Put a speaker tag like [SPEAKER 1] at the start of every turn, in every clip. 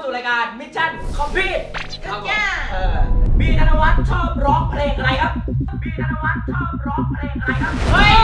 [SPEAKER 1] สู่รายการมิชชั่นคอมพลีท
[SPEAKER 2] ครับผม
[SPEAKER 1] บีธนวัฒน์ชอบร้องเพลงอะไรครับบีธนวัฒน์ชอบร้องเพลงอะไรครับเฮ้ย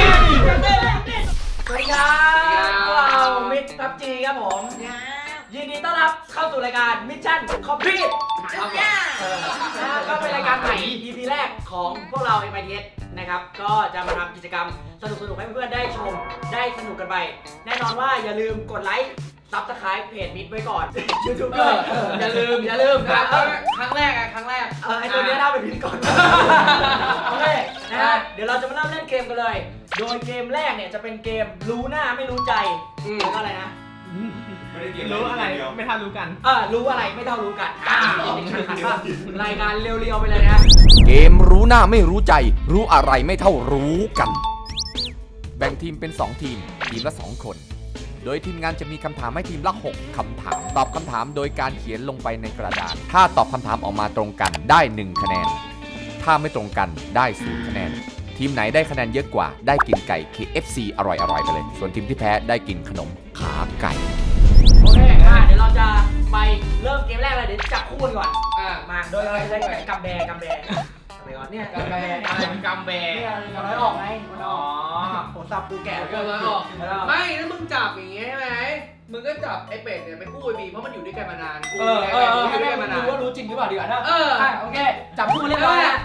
[SPEAKER 1] สวัสดีครับพวกเรามิชพับจีครับผมยินดีต้อนรับเข้าสู่รายการมิชชั่นคอมพลีทก็เป็นรายการใหม่ EP แรกของพวกเรา MITS นะครับก็จะมาทำกิจกรรมสนุกๆให้เพื่อนๆได้ชมได้สนุกกันไปแน่นอนว่าอย่าลืมกดไลค์ซับสไครป์เพจมิดไว้ก่อน YouTube ด้วยอย่าลืมนะ
[SPEAKER 2] ครั้งแรก
[SPEAKER 1] ไอตัวนี้น่าเป็นพิธีกรโอเคนะฮะเดี๋ยวเราจะมาเริ่มเล่นเกมกันเลยโดยเกมแรกเนี่ยจะเป็นเกมรู้หน้าไม่รู้ใจแล้วก็อะไรนะ
[SPEAKER 3] รู้อะไรไม่เท่ารู้กัน
[SPEAKER 1] รู้อะไรไม่เท่ารู้กันรายการเรียวๆไปเลยนะ
[SPEAKER 4] เกมรู้หน้าไม่รู้ใจรู้อะไรไม่เท่ารู้กันแบ่งทีมเป็น2ทีมละ2คนโดยทีมงานจะมีคำถามให้ทีมละ6คำถามตอบคำถามโดยการเขียนลงไปในกระดาษถ้าตอบคำถามออกมาตรงกันได้1คะแนนถ้าไม่ตรงกันได้0คะแนนทีมไหนได้คะแนนเยอะกว่าได้กินไก่ KFC อร่อยๆไปเลยส่วนทีมที่แพ้ได้กินขนมขาไก่
[SPEAKER 1] โอเคเดี๋ยวเราจะไปเริ่มเกมแรกเลยเดี๋ยวจับคู่กันก่อนมาโดยเราจะได้กำแบไปก่อนเนี่ยกำแบเนี่ยน้อยออกไงมันออกผมสับปูแก่
[SPEAKER 2] ก็น้อยออกไม่ถ้ามึงจับอย่างงี้ใช่ไหมมึงก็จับไอ้เป็ดเนี่ยไปคู่ไอ้บีเพราะมันอยู่ด้วยกันมานานกู
[SPEAKER 1] ให้แม่มันรู้ว่ารู้จริงหรือเปล่าดีกว่านะโอเคจับคู่เรียบร้อยแล้ว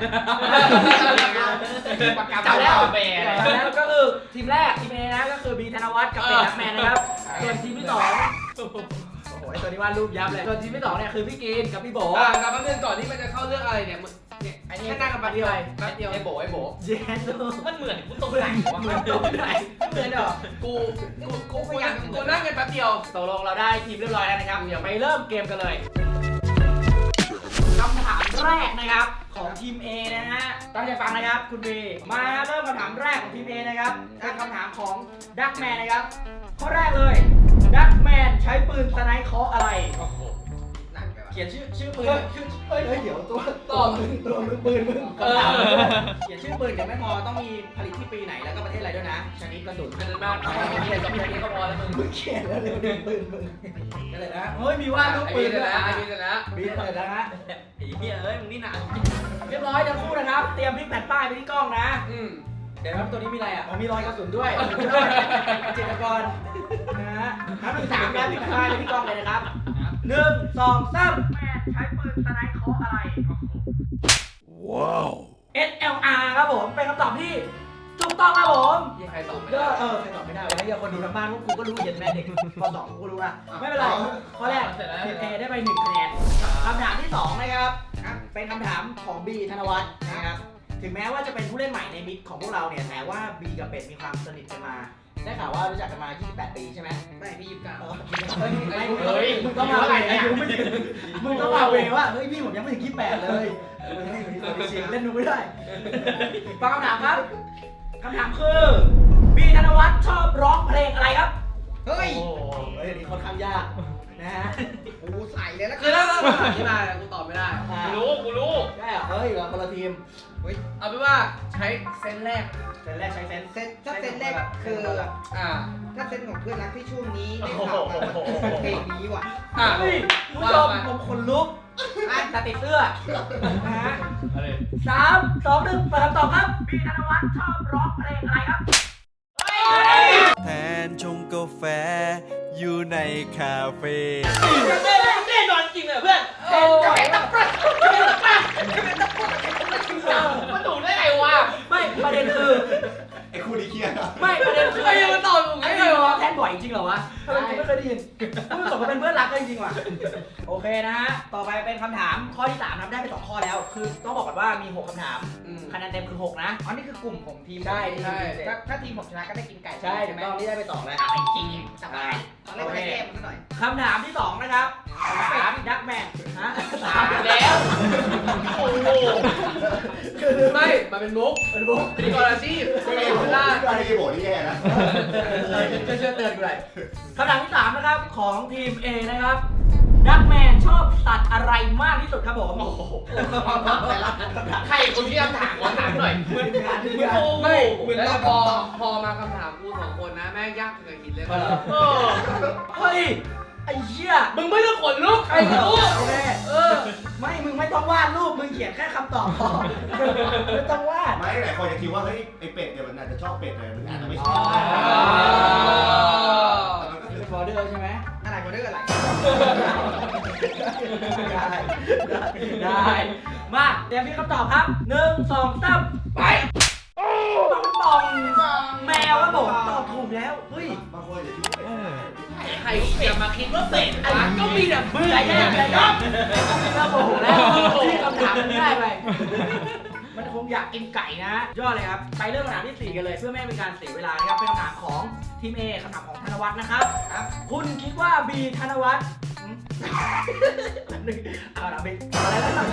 [SPEAKER 1] จับแล้วก็คือทีมแรกทีมเอนะก็คือบีธนวัฒน์กับเป็ดนักแมนนะครับส่วนทีมที่2โอ้โหไอ้ตัวนี้วาดรูปยับเลยส่วนทีมที่2เนี่ยคือพี่กินกับพี่โบ
[SPEAKER 2] กับเพื่อนก่อนที่มันจะเข้าเรื่องอะไรเนี่ยไอ้นี่แค่นั่งกันแป๊บเดียวไอ้โบ
[SPEAKER 1] เย็น
[SPEAKER 2] มันเหมือนกูตรงไหนวะ
[SPEAKER 1] เหมือนตรงไหนเหมือนเหรอ
[SPEAKER 2] กูนั่งกันแป๊บเดียว
[SPEAKER 1] ตกลงเราได้ทีมเรียบร้อยแล้วนะครับเดี๋ยวไปเริ่มเกมกันเลยคำถามแรกนะครับของทีม A นะฮะตั้งใจฟังนะครับคุณบีมาเริ่มคำถามแรกของทีม A นะครับเป็นคำถามของดักแมนนะครับข้อแรกเลยดักแมนใช้ปืนสไนป์เคาะอะไรเขียนชื่อปืนเดี๋ยวตัวมือปืนมึงเขียนชื่อปืนเดี๋ยวไม่พอต้องมีผลิตที่ปีไหนแล้วก็ประเทศอะไรด้วยนะชนิดกระสุน
[SPEAKER 2] ขนาดมากเขียน2 ชนิดก็พอแล้ว
[SPEAKER 1] มึงเขียนแล้วเร็วปืนมึงก็เลยนะเฮ้ยมีว่าลูกปืนด้วยนะบีเลยนะฮะ
[SPEAKER 2] ไอ้เหี้ยเอ้ยมึงนี่หนา
[SPEAKER 1] เรียบร้อยทั้งคู่นะครับเตรียมพลิกแผ่นป้ายไปที่กล้องนะเดี๋ยวครับตัวนี้มีอะไรอ่ะมีรอยกระสุนด้วยเจตกรนะฮะนับ1 3แล้วพลิกแผ่นป้ายไปที่กล้องเลยนะครับ1 2 3แมนใช้ปืนสไนป์เคาะอะไร
[SPEAKER 4] ว้าว
[SPEAKER 1] SLR ครับผมเป็นคำตอบที่ถูกต้องครับผม
[SPEAKER 2] ใครตอบไม่ได้
[SPEAKER 1] ใครตอบไม่ได้วะอย่าคนดูทางบ้านพวกกูก็รู้เห็นแม่เด็กข้อ2กูรู้ละไม่เป็นไรข้อแรกทีม A ได้ไป1 คะแนนคำถามที่2นะครับเป็นคำถามของ B ธนวัฒน์นะครับถึงแม้ว่าจะเป็นผู้เล่นใหม่ในมิดของพวกเราเนี่ยแต่ว่า B กับเป็ดมีความสนิทกันมาได้ข่าวว่ารู้จักกันมา28 ปีใช่ไหม
[SPEAKER 2] ไม่พี่29
[SPEAKER 1] มึงต้องมาเวอายุไม่ถึงมึงต้องมาเวว่าเฮ้ยพี่ผมยังไม่ถึง28เลยเล่นดูไม่ได้ฟังคำถามครับคำถามคือบีธนวัฒน์ชอบร้องเพลงอะไรครับ
[SPEAKER 2] เฮ้ย
[SPEAKER 1] อันนี้ค่อนข้างยากนะฮะ
[SPEAKER 2] กูใส่เลยนะคือถ้าที่มากูตอบไม่ได้กูรู้
[SPEAKER 1] ได้เหรอเฮ้ยเราคนละทีม
[SPEAKER 2] เอาเป็นว่าใช้เซนแรก
[SPEAKER 1] ใช้เซน
[SPEAKER 5] ถ้าเซนแรกคือถ้าเซนของเพื่อนรักที่ช่วงนี้ได้ข่าวมาเพลงนี้ว่ะ
[SPEAKER 1] เฮ้ยผู้ชมผมขนลุกตาติดเสื้อนะฮะ3 2 1เปิดคำตอบครับบีธนวัฒน์ชอบร้องเพลงอะไรครับ
[SPEAKER 4] แทนชงกาแฟอยู่ในคาเฟ่
[SPEAKER 2] แน่นอนจริงเลยเพื่อนมันถูกได้ไงวะ
[SPEAKER 1] ไม่ประเด็นคือ
[SPEAKER 3] ไอ้คู่นี้เครียด
[SPEAKER 1] ไม่ประเด็นคือ
[SPEAKER 2] ไอ้ยังตอบมึง
[SPEAKER 1] ไอ้นี่แทนบ่อยจริงเหรอวะทำไมกูไม่เคยได้ยินพูดสมกับเป็นเพื่อนรักกันจริงว่ะโอเคนะฮะต่อไปเป็นคำถามข้อที่3ทำได้ไป2 ข้อแล้วคือต้องบอกก่อนว่ามี6 คำถามคะแนนเต็มคือ6นะ
[SPEAKER 5] อ๋อนี่คือกลุ่มของทีม
[SPEAKER 1] ใช่
[SPEAKER 5] ถ้าทีมผมชนะก็ได้กินไก่
[SPEAKER 1] ใช่ถูกต้องนี่ได้ไป2แล้ว
[SPEAKER 5] สบายตอนแรกไปแก้มันหน่อย
[SPEAKER 1] คำถามที่2นะครับถามดักแมนฮะ
[SPEAKER 2] แล้วโอ้โหไม่มันเป็นมุกเป็นกอราชีพ
[SPEAKER 3] อันนี้โบนี่แย่นะ
[SPEAKER 1] เชื่อเตือนกูเลยคำถามที่3นะครับของทีม A นะครับดักแมนชอบสัตว์อะไรมากที่สุดครับผม
[SPEAKER 2] ใครคนที่ถามหน่อยเหมือนแล้วพอมาคำถามกู2 คนนะแม่งยากเกินหินเลย
[SPEAKER 1] เฮ้ยไอ้เหี้ย
[SPEAKER 2] มึงไม่ต้องขนลุกใครรู้
[SPEAKER 1] โอเค ไม่ มึงไม่ต้องวาดรูป มึงเขียนแค่คำตอบพอไม่ต้องวาด
[SPEAKER 3] ไม่หลายคนจะคิดว่าเฮ้ยไอเป็ดเนี่ยมันอาจจะชอบเป็ดเลยมันอาจจะไม่ช
[SPEAKER 1] อ๋
[SPEAKER 3] อ
[SPEAKER 1] อ
[SPEAKER 3] บแต่มันก็คือ
[SPEAKER 1] เป็นบอร์เดอร์ใช่ไหม
[SPEAKER 5] อะไรก็เรื่องอะไร
[SPEAKER 1] ได้มาเตรียมพี่คำตอบครับ1 2 3ไปปองแมวครับผมตอบถูกแล้วเฮ้ย
[SPEAKER 3] บางคนจะคิดว่าเป็ด
[SPEAKER 2] ใครจะมาคิดว่าเป็ดวะก็มีแต่เบื่อ
[SPEAKER 1] ใจ
[SPEAKER 2] แย่
[SPEAKER 1] เย็น
[SPEAKER 2] ใจ
[SPEAKER 1] ใจ
[SPEAKER 2] เย็
[SPEAKER 1] เย็
[SPEAKER 2] น
[SPEAKER 1] นเราโมโหแล้วที่คำถามมันง่ายไปมันคงอยากกินไก่นะยอดเลยครับไปเริ่มคำถามที่4กันเลยเพื่อไม่ให้เป็นการเสียเวลานะครับเป็นคำถามของทีม A คำถามของธนวัฒน์นะครับคุณคิดว่า B ธนวัฒน์เอาละบิ๊กอะไรนะ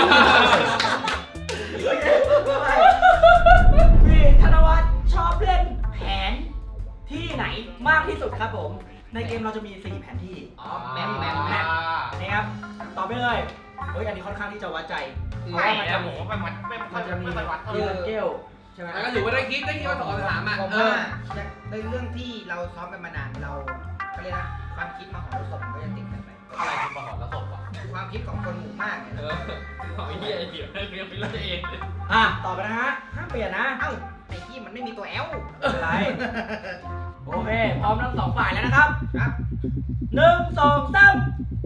[SPEAKER 1] บีธนวัฒน์ชอบเล่นแผนที่ไหนมากที่สุดครับผมในเกมเราจะมี4แผนที่
[SPEAKER 2] อ๋อ
[SPEAKER 1] แมปนะครับตอบไปเลยเฮ้ยอันนี้ค่อนข้างที่จะวัดใจเพราะ
[SPEAKER 2] ไม่
[SPEAKER 1] ว่ามัน
[SPEAKER 2] นะ
[SPEAKER 1] จะ
[SPEAKER 2] ผ
[SPEAKER 1] มี
[SPEAKER 2] มว่ามันจะมี
[SPEAKER 1] ทีละเกลใช่ไหม
[SPEAKER 2] ก็ถือว่าได้คิดว่าตอบคำถามอ่ะ
[SPEAKER 5] ผมว่าในเรื่องที่เราซ้อมกันมานานเราเขาเรียกนะความคิดมาของเราสมก็จะติดกันไป
[SPEAKER 2] อะไรคือมาหอนแล้วตบอ่ะ
[SPEAKER 5] ความคิดของคนหมู่มากเนี่ย
[SPEAKER 2] หอยเหี้ยเดี๋ยวเรียกไปเรื่องเอง
[SPEAKER 1] ต่อไปนะฮะห้ามเปลี่ยนนะ
[SPEAKER 5] เอ้าไอ้ที่มันไม่มีตัวแอล
[SPEAKER 1] ไม่เป็นไรโอเคพร้อมทั้ง2ฝ่ายแล้วนะครับ
[SPEAKER 5] ครับ
[SPEAKER 1] 1 2 3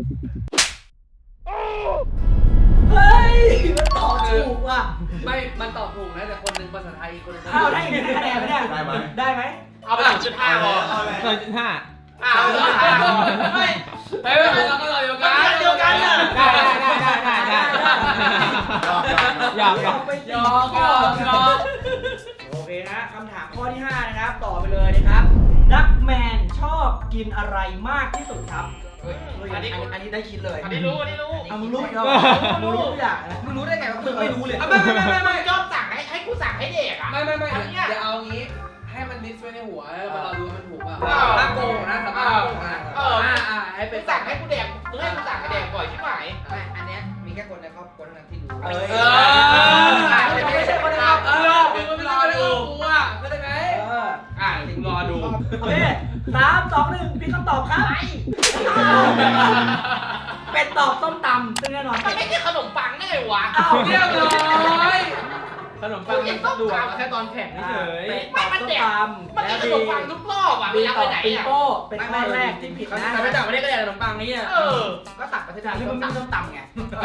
[SPEAKER 1] เฮ้ยมันตอบถูกว่ะ
[SPEAKER 2] ไม่มันตอบถูกนะแต่คนหนึ่งภาษาไทยอีกคนหนึ่ง
[SPEAKER 1] อ้าวได้อีกคะแนนไหมเนี่ย
[SPEAKER 3] ได้ไหม
[SPEAKER 1] ได้ไหม
[SPEAKER 2] เอาไป0.5พอ
[SPEAKER 3] เอาเลย
[SPEAKER 2] อ้าวไม่เราก็เราเดียวกัน
[SPEAKER 1] เดียวกันน่ะ
[SPEAKER 3] ยอม
[SPEAKER 1] ไป
[SPEAKER 2] ยอม
[SPEAKER 1] โอเคนะคำถามข้อที่ 5 นะครับ ต่อไปเลยนะครับดักแมนชอบกินอะไรมากที่สุดครับเฮ้ยอันนี้ได้คิดเลย
[SPEAKER 2] อันนี้รู้
[SPEAKER 1] เอามึงรู้อีกแล้วมึงรู้ทุกอย่างนะ
[SPEAKER 5] มึงรู้ได้ไงว่ามึงไม่รู้เลย
[SPEAKER 2] ไม่ชอบสั่งให้กูสั่งให้เด็กอ่ะ
[SPEAKER 6] ไม่
[SPEAKER 2] เดี๋
[SPEAKER 6] เดี๋ยวเอางี้ให้มันลิสต์ไว้ในหัวแล้วเราดูมันถูกป่ะ
[SPEAKER 2] อ้าว
[SPEAKER 6] ถ้าโกงนะสามารถโกงนะ
[SPEAKER 2] ให้เป็นสั่งให้กูแดกมึงให้กูสั่งให้แดกบ่อยใช่ไหม
[SPEAKER 5] ไม่อันเนี้ยมีแค่คนในครอบครัวเท่านั้นที่รู้
[SPEAKER 1] ไม่ใช่คนนะครับ
[SPEAKER 2] มึงไม่รอดูกูอ่ะเข้าใจไหมมึงรอดู
[SPEAKER 1] โอเค3 2 1พี่คำตอบครับเป็นตอบส้มตำซึ่งแน่นอน
[SPEAKER 2] มันไม่ใช่ขนมปังได้ไงวะ
[SPEAKER 1] อ้าว
[SPEAKER 2] เรียบร้อย
[SPEAKER 6] ขนมปังมันดูมาแค่ตอนแข่งเฉย
[SPEAKER 1] เป็นตอบส้มตำ
[SPEAKER 2] มัน
[SPEAKER 1] แล้
[SPEAKER 2] จะ
[SPEAKER 1] ว
[SPEAKER 2] ขนมปังทุกรอบอ่ะ
[SPEAKER 1] บี
[SPEAKER 2] ไม่
[SPEAKER 1] ต
[SPEAKER 2] ไป
[SPEAKER 1] อบ
[SPEAKER 2] ไหน
[SPEAKER 1] ปิง
[SPEAKER 2] อ่ะ
[SPEAKER 1] โป้เป็นข้อแรกที่ผิดนะ
[SPEAKER 6] แต่ไม่ต่างประเทศก็อยากขนมปังนี่
[SPEAKER 5] ก็ตักไป
[SPEAKER 1] แต่
[SPEAKER 5] ที่
[SPEAKER 1] ที่
[SPEAKER 5] นี่
[SPEAKER 1] มัน
[SPEAKER 5] มัน
[SPEAKER 1] มีส้มตำไง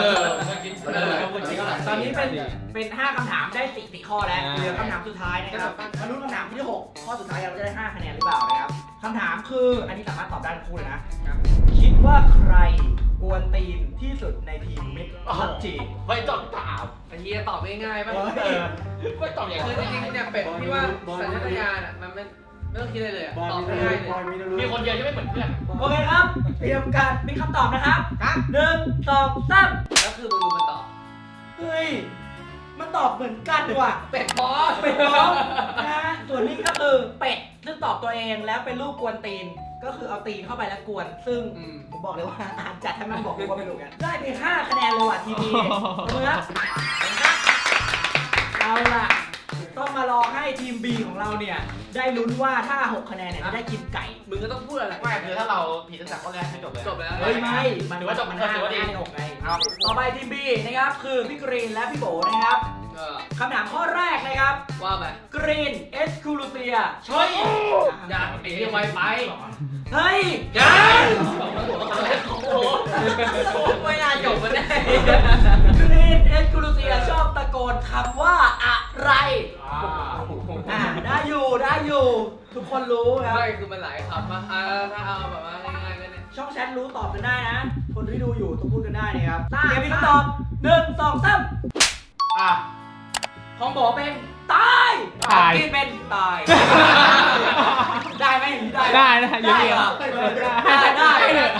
[SPEAKER 6] ๆ
[SPEAKER 1] ตอนนี้เป็น5คำถามได้4ข้อแล้วเหลือคำถามสุดท้ายนะครับมาลุ้นคำถามที่6ข้อสุดท้ายเราจะได้5คะแนนหรือเปล่านะครับคำถามคืออันนี้สามารถตอบได้ทั้งคู่เลยนะคิดว่าใครกวนตีนที่สุดในทีมมิตรพับจี
[SPEAKER 2] เฮ้ยตอบถาม
[SPEAKER 6] อันนี้ตอบง่ายๆป่ะ
[SPEAKER 2] ไม่ตอบอย่าง
[SPEAKER 6] คือ
[SPEAKER 2] นี้
[SPEAKER 6] จริงๆเนี่ยเป็ดที่ว่าสัญชาตญาณอ่ะมันไม่ต้องคิดอะไรเลยตอบง่ายเลย
[SPEAKER 2] มีคนเดียวที่ไม่เหมือนเพื่อน
[SPEAKER 1] โอเคครับเตรียมการมีคำตอบนะครับ1 2 3
[SPEAKER 6] แล้วคือมึงดูมันตอบ
[SPEAKER 1] เฮ้ยมันตอบเหมือนกันว่ะ
[SPEAKER 6] เป็ดบอส
[SPEAKER 1] เป็ดน้องนะฮะส่วนนี้ก็คือเป็ดซึ่งตอบตัวเองแล้วเป็นรูปกวนตีนก็คือเอาตีนเข้าไปแล้วกวนซึ่งผมบอกเลยว่าอ่านจัดให้มันบอกว่าไม่รู้กันได้ไป5คะแนนเลยว่ะทีนี้เมื่อเอาล่ะต้องมารอให้ทีม B ของเราเนี่ยได้ลุ้นว่าถ้า6คะแนนเนี่ยจะได้กินไก่
[SPEAKER 6] มึงก็ต้องพูดอะไร
[SPEAKER 2] ไม่คือถ้าเราผิดตั้งแต่ข้อแรกไม่จบเลย
[SPEAKER 6] จบแล้ว
[SPEAKER 1] เฮ้ยไม่ มัน
[SPEAKER 2] ถือว่าจบ
[SPEAKER 1] มัน
[SPEAKER 2] ถือว่าดี
[SPEAKER 1] 5ใน6ไงต่อไปทีม B นะครับคือพี่กรีนและพี่โบนะครับคำถามข้อแรกนะครับ
[SPEAKER 6] ว่าไป
[SPEAKER 1] กรีนเอสคูลูเซีย
[SPEAKER 2] เฮ้ยอย่าไอ้เรื่องไวไป
[SPEAKER 1] เฮ้ย
[SPEAKER 2] อย่า
[SPEAKER 1] ไม่น่าจบมันแน่กรีนเอสคูลูเซียชอบตะโกนคำว่าอะไรได้อยู่ทุกคนรู้ครับ
[SPEAKER 6] ไม่คือมันหลายคำป่ะถ้าเอาแบบว่าง่ายๆก็เนี่ย
[SPEAKER 1] ช่องแชทรู้ตอบกันได้นะ คนที่ดูอยู่ต้องพูดกันได้นะครับเตรียมมีคำตอบ1 2 3ของหมอเป็นตายกินเป็นตาย ได้ไหมได้เหรอได้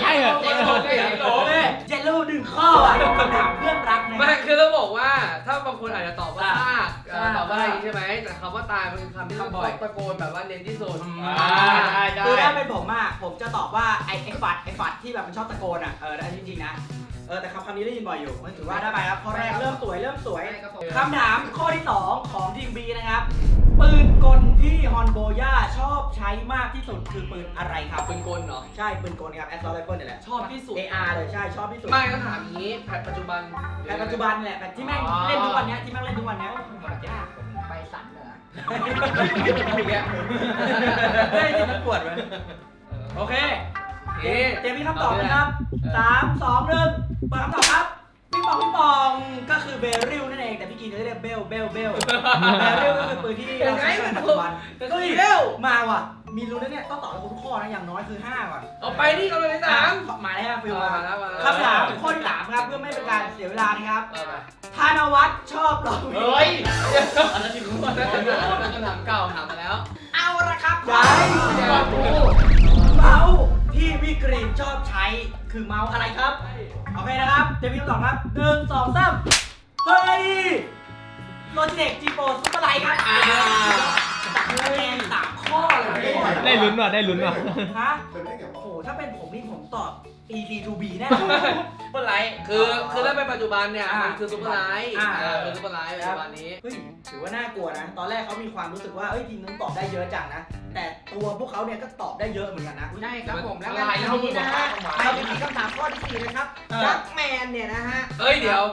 [SPEAKER 1] เจนลู1ข้อคำถามเพื่อนรักนะ
[SPEAKER 6] ไม่คือต้องบอกว่าถ้าบางคนอาจจะตอบว่าซากตอบว่าอะไรใช่ไหมแต่คำว่าตายมันคือคำที่ต้องตะโกนแบบว่าเน้นที่สุด
[SPEAKER 1] คือถ้าเป็นผมอะผมจะตอบว่าไอ้ฝัดที่แบบมันชอบตะโกนอะอันนี้จริงๆนะแต่คำนี้ได้ยินบ่อยอยู่ถือว่าได้ไปครับข้อแรกเริ่มสวยคำถามข้อที่2ของทีม B นะครับปืนกลที่ฮอนโบย่าชอบใช้มากที่สุดคือปืนอะไรครับ
[SPEAKER 6] ปืนกลเหรอ
[SPEAKER 1] ใช่ปืนกลครับแอสซอลไรเฟิลนี่แหละ
[SPEAKER 6] ชอบที่สุด
[SPEAKER 1] AR เลยใช่ชอบที่สุด
[SPEAKER 6] ไม่ก็ถามอย่างนี้แพทปัจจุบัน
[SPEAKER 1] แต่ปัจจุบันนี่แหละแต่ที่แม่งเล่นทุกวันเนี้ยที่แม่งเล่นทุกวันเนี้ย
[SPEAKER 5] ยากไปสันเหรอ
[SPEAKER 6] อีกแล้ว
[SPEAKER 1] เฮ้ยที่มันปวดไหมโอเค
[SPEAKER 6] เอ๊ะ
[SPEAKER 1] เตรียมมีคำตอบนะครับ 3 2 1เปิดคำตอบครับพี่ปองก็คือเบริลนั่นเองแต่พี่กินจะเรียกเบลเบลก็คือปืนที่เราใช้ในปัจจุบัน
[SPEAKER 6] แต่ก็อีกแล้ว
[SPEAKER 1] มาว่ะมีรู้แล้วเนี่ยต้องตอบให้ครบทุกข้อนะอย่างน้อยคือ5ก่อน
[SPEAKER 6] เอาไปนี่กำลังที่สาม
[SPEAKER 1] มาแล้วฟิว
[SPEAKER 6] มาแล้วมาแล้ว
[SPEAKER 1] คำถามข้อที่3ครับเพื่อไม่เป็นการเสียเวลานะครับ
[SPEAKER 6] เอาไป
[SPEAKER 1] ธนวัฒน์ชอบร้องเพลง
[SPEAKER 2] เฮ้ยอันนั้นที่รู้ว่า
[SPEAKER 6] นั่นเป็นคำถามเก่าถามมาแล้ว
[SPEAKER 1] เอาละครับ
[SPEAKER 6] ย้าย
[SPEAKER 1] ก่อนพูดเมาส์ที่พี่กรีนชอบใช้คือเมาส์อะไรครับโอเคนะครับเตรียมคำตอบครับ1 2 3เฮ้ยโลจิเทคจีโปซุปเปอร์ไลท์ครับตัดคะแนน3ข้อเลย
[SPEAKER 3] ได้ลุ้นว่ะได้ลุ้นว่ะ
[SPEAKER 1] ฮะ
[SPEAKER 3] เป็นได้ไงวะ
[SPEAKER 1] โอ้โหถ้าเป็นผมนี่ผมตอบ EC2B แน่
[SPEAKER 2] เมื่อไร
[SPEAKER 6] คือถ้าเป็นปัจจุบันเนี่ย
[SPEAKER 1] อ่ามั
[SPEAKER 6] มันคือซุปเปอร์ไลท์
[SPEAKER 1] อ่า
[SPEAKER 6] คือซุปเปอร์ไลท์ปัจจุบันนี้
[SPEAKER 1] เฮ้ยถือว่าน่ากลัวนะ ตอนแรกเขามีความรู้สึกว่าเอ้ยทีมนึงตอบได้เยอะจังนะ แต่ตัวพวกเขาเนี่ยก็ตอบได้เยอะเหมือนกันนะ
[SPEAKER 5] ใช่ครับผมแล้ว
[SPEAKER 2] อะไร
[SPEAKER 5] กัน
[SPEAKER 2] แล้วมึ
[SPEAKER 5] นี้
[SPEAKER 2] งบอ
[SPEAKER 5] นะ
[SPEAKER 2] กว่า
[SPEAKER 5] ฮะ
[SPEAKER 2] เข้ามา
[SPEAKER 5] เราจะมีคำถามข้อที่ 4 นะครับดักแมนเนี่ยนะฮะ
[SPEAKER 6] เฮ้ยเดี๋ยว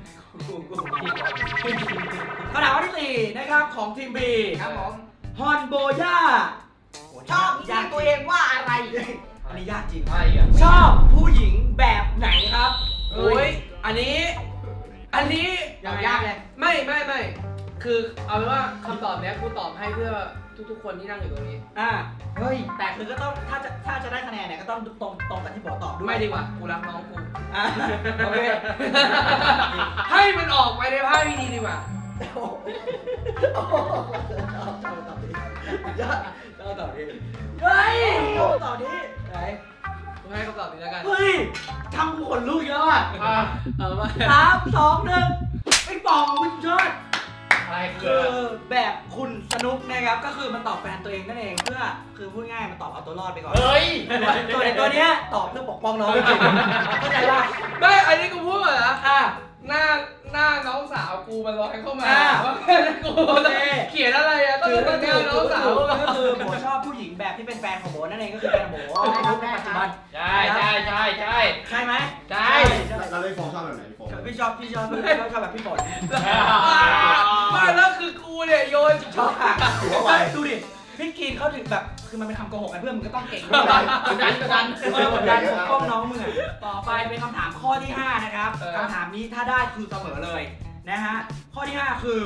[SPEAKER 1] คำถามข้อที่ 4 นะครับของทีม B
[SPEAKER 5] ครับผม
[SPEAKER 1] ฮอนโบย่า
[SPEAKER 5] ชอบนิสัยตัวเองว่าอะไร
[SPEAKER 1] อันนี้ยากจริง
[SPEAKER 2] ใช่อ่ะ
[SPEAKER 1] ชอบผู้หญิงแบบไหนครับ
[SPEAKER 6] โอ้ยอันนี้
[SPEAKER 5] ยากเลย
[SPEAKER 6] ไม่คือเอาเป็นว่าคำตอบเนี้ยกูตอบให้เพื่อทุกๆคนที่นั่งอยู่ตรงนี้
[SPEAKER 1] อ่าเฮ้ยแต่คือก็ต้องถ้าจะได้คะแนนเนี่ยก็ต้องตรงกับที่ผมตอบด้วย
[SPEAKER 6] ไม่ดีกว่ากูรักน้องกู
[SPEAKER 1] อ่ะโอเค
[SPEAKER 6] ให้มันออกไปในภาพที่ดีดีกว่า
[SPEAKER 1] โอ้โหชอบตอบดียอดชอบตอบดีเฮ้ยชอบตอบดีไหน
[SPEAKER 6] กูให้คำตอบนี้แล้วกัน
[SPEAKER 1] เฮ้ยทำกูขนลุกอีกแล้วอ่ะ
[SPEAKER 6] เอามา
[SPEAKER 1] 3 2 1ไอ้ปองคุณยอด
[SPEAKER 2] อะไรคื
[SPEAKER 1] คือ อแบบคุณสนุกนะครับก็คือมันตอบแฟนตัวเองนั่นเองเพื่อคือพูดง่ายมันตอบเอาตัวรอดไปก่อน
[SPEAKER 2] เฮ้ย
[SPEAKER 1] ส่วนไอ้ตัวเนี้ยตอบเพื่อปกป้องน้องจริงๆเข้าใจป่ะ
[SPEAKER 6] ไม่อันนี้กูพูดก่อนนะ
[SPEAKER 1] อ่ะ
[SPEAKER 6] หน้าน้องสาวกูมันลอยเข้ามา
[SPEAKER 1] อ่า
[SPEAKER 6] ว่ากู
[SPEAKER 1] โอเค
[SPEAKER 6] เขียนอะไรอะต้องเป็นหน้าน้องสาว
[SPEAKER 1] ก็คือโบชอบผู้หญิงแบบที่เป็นแฟนของโบนั่นเองก็คือแฟนของโบในยุคปัจจุบัน
[SPEAKER 2] ใช่ใช่ใช่ใช่
[SPEAKER 1] ใช่ไหม
[SPEAKER 2] ใช่
[SPEAKER 3] เราเลยฟองชอบแบบไหนฟอง
[SPEAKER 1] พี่ชอบแบบพี่ฝน
[SPEAKER 6] ไม่แล้วคือกูเนี่ยโยน
[SPEAKER 1] ชอบค่ะดูดิพี่กินเขาถึงแบบคือมันเป็นคำโกหกกันเพื่อนมึงก็ต้องเก่งด้วย
[SPEAKER 2] กดดันกดดัน
[SPEAKER 1] กดดันปกป้องน้องมึงอ่ะต่อไปเป็นคำถามข้อที่ 5 นะครับคำถามนี้ถ้าได้คือเสมอเลยนะฮะข้อที่ 5 คือ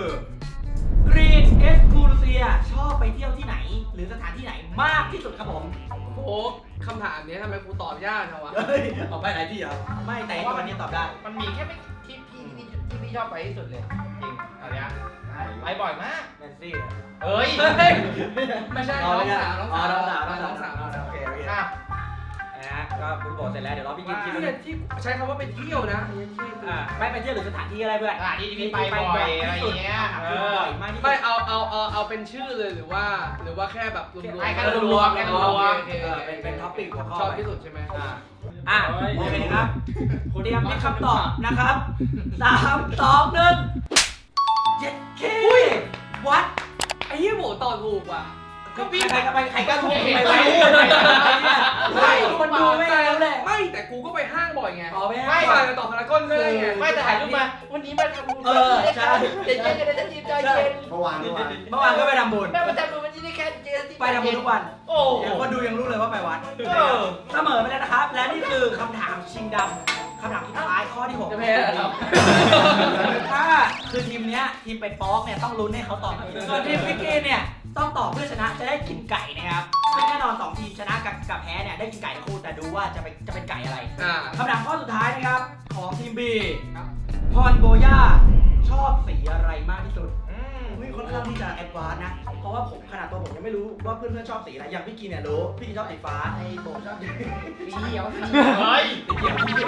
[SPEAKER 1] Green e x c l u s i a ชอบไปเที่ยวที่ไหน หรือสถานที่ไหนมากที่สุดครับผม
[SPEAKER 6] โอ้คำถามนี้ทำไมกูตอบยากจังวะ
[SPEAKER 1] เฮ้ยเอาไปไหนที่เหรอไม่แต่ตัวนี้ตอบได้
[SPEAKER 2] มันมีแค่ไม่ที่พี่ชอบไปที่สุดเลยจริงอะไรอ่ะไปบ่อยมาก
[SPEAKER 1] แนนซี่
[SPEAKER 2] เฮ้ย
[SPEAKER 6] ไม่ใช่น้องสาวน้องสาว
[SPEAKER 1] โอเคโอเค
[SPEAKER 2] อ่ะ
[SPEAKER 1] นะฮะก็คุณโบเสร็จแล้วเดี๋ยวเราพี่กินคิด
[SPEAKER 6] ที่
[SPEAKER 1] ว่า
[SPEAKER 6] ที่ใช้คำว่าไปเที่ยวนะ
[SPEAKER 1] ไม่ไปเที่ยวหรือสถานที่อะไรเพื่อน
[SPEAKER 2] ที่พี่ไปบ่อยอะไรเงี้ย
[SPEAKER 1] บ่อยมากที่สุด
[SPEAKER 6] ไม่เอาเป็นชื่อเลยหรือว่าแค่แบบรวม
[SPEAKER 2] ให้กันรวมกันรวม
[SPEAKER 1] เป็นท็อปปิ้งหัวข้อ
[SPEAKER 6] ชอบที่สุดใช่ไหม
[SPEAKER 1] โอเคครับเตรียมมีคำตอบนะครับ3 2 1เจ็ดเควัด
[SPEAKER 6] ไอ้ยี่โหตอบถูกว่ะ
[SPEAKER 1] ก็พี่ใครก็ถูกไปไว้ไม่คนดูไม่แล้วแหละ
[SPEAKER 6] ไม่แต่กูก็ไปห้างบ่อยไง
[SPEAKER 1] ต่อไป
[SPEAKER 6] ไม่
[SPEAKER 1] ให้
[SPEAKER 6] ไปต่อพารากอนก็ได้ไง
[SPEAKER 2] ไม่แต่ถ่ายรูปมาวันนี้มาทำบุญ
[SPEAKER 1] ใช่
[SPEAKER 2] เย็นๆจะได้ทีมใจเย็น
[SPEAKER 3] เมื่อวาน
[SPEAKER 1] เมื่อวานก็ไปทำบุญ
[SPEAKER 2] แม่มาทำบุญวันนี้ได้แค่เจอที่
[SPEAKER 1] ไปทำบุญทุกวัน
[SPEAKER 2] โอ้โห
[SPEAKER 1] เดี๋ยวคนดูยังรู้เลยว่าไปวัดเสมอไปแล้วนะครับ และนี่คือคำถามชิงดำคำถามสุดท้ายข้อที่ 6
[SPEAKER 6] จะแพ้เหรอ
[SPEAKER 1] ถ้าคือทีมเนี้ยทีมไปป๊อกเนี่ยต้องลุ้นให้เขาตอบส่วนทีมพิกกี้เนี่ยต้องตอบเพื่อชนะจะได้กินไก่นะครับซึ่งแน่นอน2ทีมชนะกับแพ้เนี่ยได้กินไก่ทั้งคู่แต่ดูว่าจะเป็นไก่อะไรคำถามข้อสุดท้ายนะครับของทีม B พรโบย่าชอบสีอะไรมากที่สุดค่อนข้างที่จะแอดวานซ์นะ เพราะว่าผมขนาดตัวผมยังไม่รู้ว่าเพื่อนๆชอบสีอะไร อย่างพี่กินเนี่ยรู้ พี่กินชอบสีฟ้า ไอ้โบชอบสี
[SPEAKER 5] สีเขียว
[SPEAKER 2] เฮ้ย
[SPEAKER 1] เขียว
[SPEAKER 6] มึง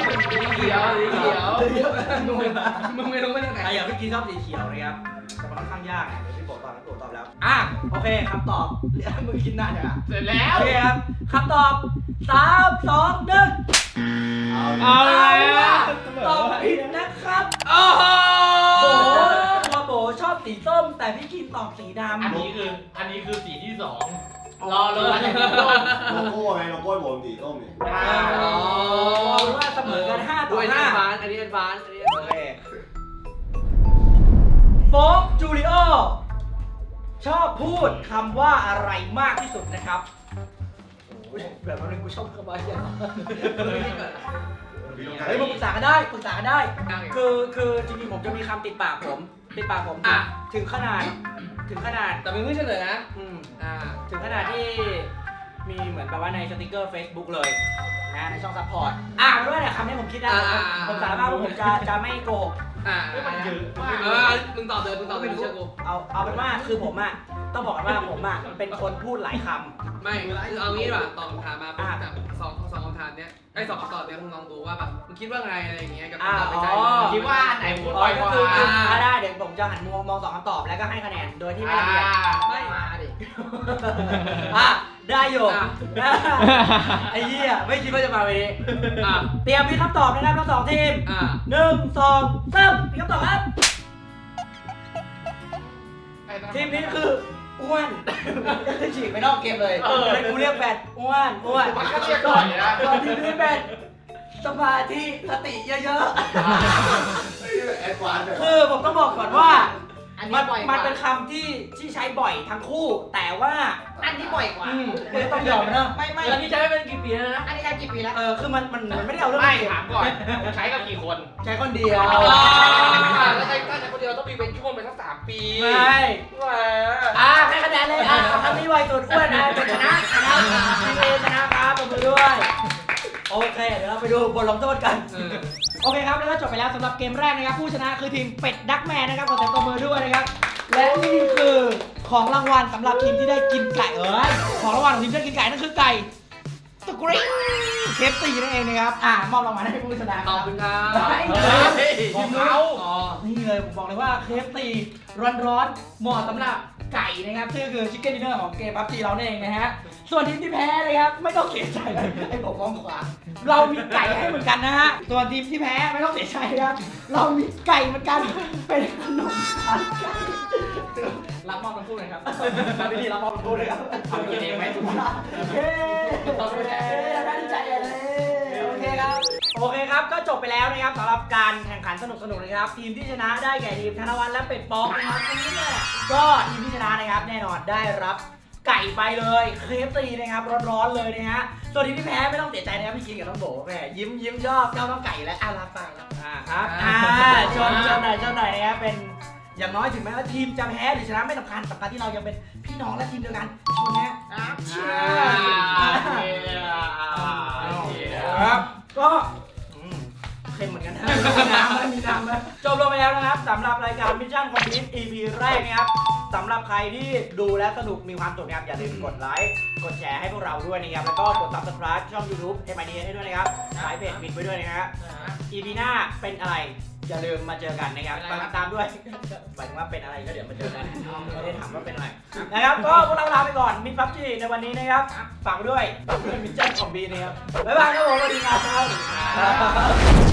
[SPEAKER 6] ไม่รู้มาจากไหน
[SPEAKER 1] อย่างพี่กินชอบสีเขียวนะครับ แต่มันค่อนข้างยากนะเดี๋ยวพี่โบตอบแล้วตัวตอบแล้ว โอเคคำตอบมึงกินหน้าเนี่ย
[SPEAKER 2] เสร็จแล้ว
[SPEAKER 1] โอเคครับคำตอบ 3 2 1
[SPEAKER 3] เอาเลยอ่ะ
[SPEAKER 1] ตอบผิดนะครับ
[SPEAKER 6] โอ้โห
[SPEAKER 1] โบตัวโบชอบสีส้ม แต่พี่กินตอบสีสีดำ
[SPEAKER 2] อันนี้คือสีที่สองรอเลยอันนี้ต้น
[SPEAKER 3] โลโก้ไงโลโก้ผมสีส้มนี่
[SPEAKER 1] อ๋อว่าเสมอกัน5 ต่อ
[SPEAKER 6] ด้วยอันนี้
[SPEAKER 1] 5
[SPEAKER 6] บานอันนี้บานอันนี้
[SPEAKER 1] โอเคโฟกจูริโอชอบพูดคำว่าอะไรมากที่สุดนะครับอุ๊ยแบบนั้นกูชอบคำว่าอย่าง เฮ้ยมาปรึกษากันได้ปรึกษากันได้ คือจริงๆผมจะมีคำติดปากผมถึงขนาด
[SPEAKER 6] แต่เป็นเพิ่งเฉลยนะ
[SPEAKER 1] อืม
[SPEAKER 6] อ่า
[SPEAKER 1] ถึงขนาดที่มีเหมือนแบบว่าในสติกเกอร์ Facebook เลยนะในช่องซัพพอร์ตเป็นว่าเนี่ยคำนี้ผมคิดนะผมสารภาพว่าผมจะไม่โกหก
[SPEAKER 6] มันเยอะมากมึงตอบเลยมึงเชื่อกู
[SPEAKER 1] เอาเป็นว่าคือผมอ่ะต้องบอกกันว่าผมอ่ะเป็นคนพูดหลายคำ
[SPEAKER 6] ไม่คือเอางี้ดีกว่าตอบคำถามมาเป็นแบบสองคำถามเนี้ยไอ้สองคำตอบเนี้ยมึงลองดูว่าแบบมึงคิดว่าไงอะไรอย่างเงี้ยกับคำตอบในใจ
[SPEAKER 2] คิดว่าอันไหนพูดบ่อยก
[SPEAKER 1] ก็
[SPEAKER 2] ว่า
[SPEAKER 1] คือได้เดี๋ยวผมจะหันมองสองคำตอบแล้วก็ให้คะแนนโดยที่ไม่ละเอียด
[SPEAKER 6] ไม่
[SPEAKER 2] มาดิ
[SPEAKER 1] ได้อยู่ไอ้เหี้ยไม่คิดว่าจะมาวันนี้เตรียมมีคำตอบนะครับทั้งสองทีม 1 2 3มีคำตอบครับทีมนี้คืออ้วนฉีกไปนอกเกมเลยเป็นกูเรียกแฟนอ้วน
[SPEAKER 2] มันก็เรียกก่อนนะ
[SPEAKER 1] ก่อนทีมนี้เป็นสมาธิสติเยอะ
[SPEAKER 3] แอดวานซ์แบบ
[SPEAKER 1] ๆคือผมต้องบอกก่อนว่า
[SPEAKER 5] อันนี้บ่อยก
[SPEAKER 1] มัน
[SPEAKER 5] ว่า
[SPEAKER 1] เป็นคำที่ใช้บ่อยทั้งคู่ แต่ว่า
[SPEAKER 5] อันนี้บ่อยกว่า
[SPEAKER 1] ต้องยอมนะ
[SPEAKER 5] ไม่
[SPEAKER 6] แล้วนี่ใช้ไปเป็นกี่ปีแล้วนะ
[SPEAKER 5] อันนี้ใช้กี่ปีแล้ว
[SPEAKER 1] คือมันไม่ได้เอาเรื่อง
[SPEAKER 2] ไม่
[SPEAKER 1] เกม
[SPEAKER 2] ถามก่อนใช้กับกี่คน
[SPEAKER 1] ใช้คนเดียว
[SPEAKER 6] แล้วใช้ถ้าใช้คนเดียวต้องมีเป็นช่วงไปสัก3 ปี
[SPEAKER 1] ไม่ ให้คะแนนเลยคำนี้ไวสุดอ้วนเป็นชนะทีมเอชนะครับปรบมือด้วย โอเค เดี๋ยวเราไปดูบทลงโทษกัน โอเคครับ แล้วก็จบไปแล้วสำหรับเกมแรกนะครับ ผู้ชนะคือทีมเป็ดดักแมนนะครับขอเสียงปรบมือด้วยนะครับ และนี่คือของรางวัลสำหรับทีมที่ได้กินไก่ของรางวัลของทีมที่ได้กินไก่นั่นคือไก่สกรีเคฟตีนั่นเองนะครับมอบรางวัลให้ผู้ชนะ
[SPEAKER 6] ขอบคุณครับ
[SPEAKER 1] ของเขานี่เลยผมบอกเลยว่าเคฟตีร้อนๆเหมาะสำหรับไก่นะครับซึ่งคือชิคเก้นดินเนอร์ของเกมพับจีเราเองนะฮะส่วนทีมที่แพ้นะครับไม่ต้องเสียใจไอ้ผมมองขวาเรามีไก่ให้เหมือนกันนะฮะส่วนทีมที่แพ้ไม่ต้องเสียใจครับเรามีไก่เหมือนกันเป็นขนมทานไก่รับมอบทั้งคู่เลยครับมาพิธีรับมอบทั้งคู่เลยครับทำกินเองไหมเฮ้ตบมือเลยได้ดีใจเลยโอเคครับก็จบไปแล้วนะครับสำหรับการแข่งขันสนุกๆนะครับทีมที่ชนะได้แก่ทีมธนวัฒน์และเป็ดป๊อกนะครับนี่แหละก็ทีมที่ชนะนะครับแน่นอนได้รับไก่ไปเลยเคฟตีนะครับร้อนๆเลยนะฮะส่วนทีมที่แพ้ไม่ต้องเสียใจนะครับพี่กินกับน้องโบแม่ยิ้มชอบเจ้าน้องไก่และรับฟังครับครับชนหน่อยนะครับเป็นอย่างน้อยถึงแม้ว่าทีมจะแพ้หรือชนะไม่สำคัญที่เรายังเป็นพี่น้องและทีมเดียวกันชนนะเชียร์ครับก็เค็มเหมือนกันนะมีน้ำไหมจบลงไปแล้วนะครับสำหรับรายการมิชชั่นคอมพลีท EP แรกนะครับสำหรับใครที่ดูและสนุกมีความสุขนะครับอย่าลืมกดไลค์กดแชร์ให้พวกเราด้วยนะครับแล้วก็กด Subscribe ช่อง YouTube MID ให้ด้วยนะครับสายเพจมิดไว้ด้วยนะครับ EP หน้าเป็นอะไรอย่าลืมมาเจอกันนะครับฝากติดตามด้วยหมายถึงว่าเป็นอะไรก็เดี๋ยวมาเจอกันไม่ได้ถามว่าเป็นอะไรนะครับก็พวกเราลาไปก่อนมิดพับจีในวันนี้นะครับฝากด้วยมิชชั่นคอมพลีทนะครับบ๊ายบายครับผมสวัสดีครับ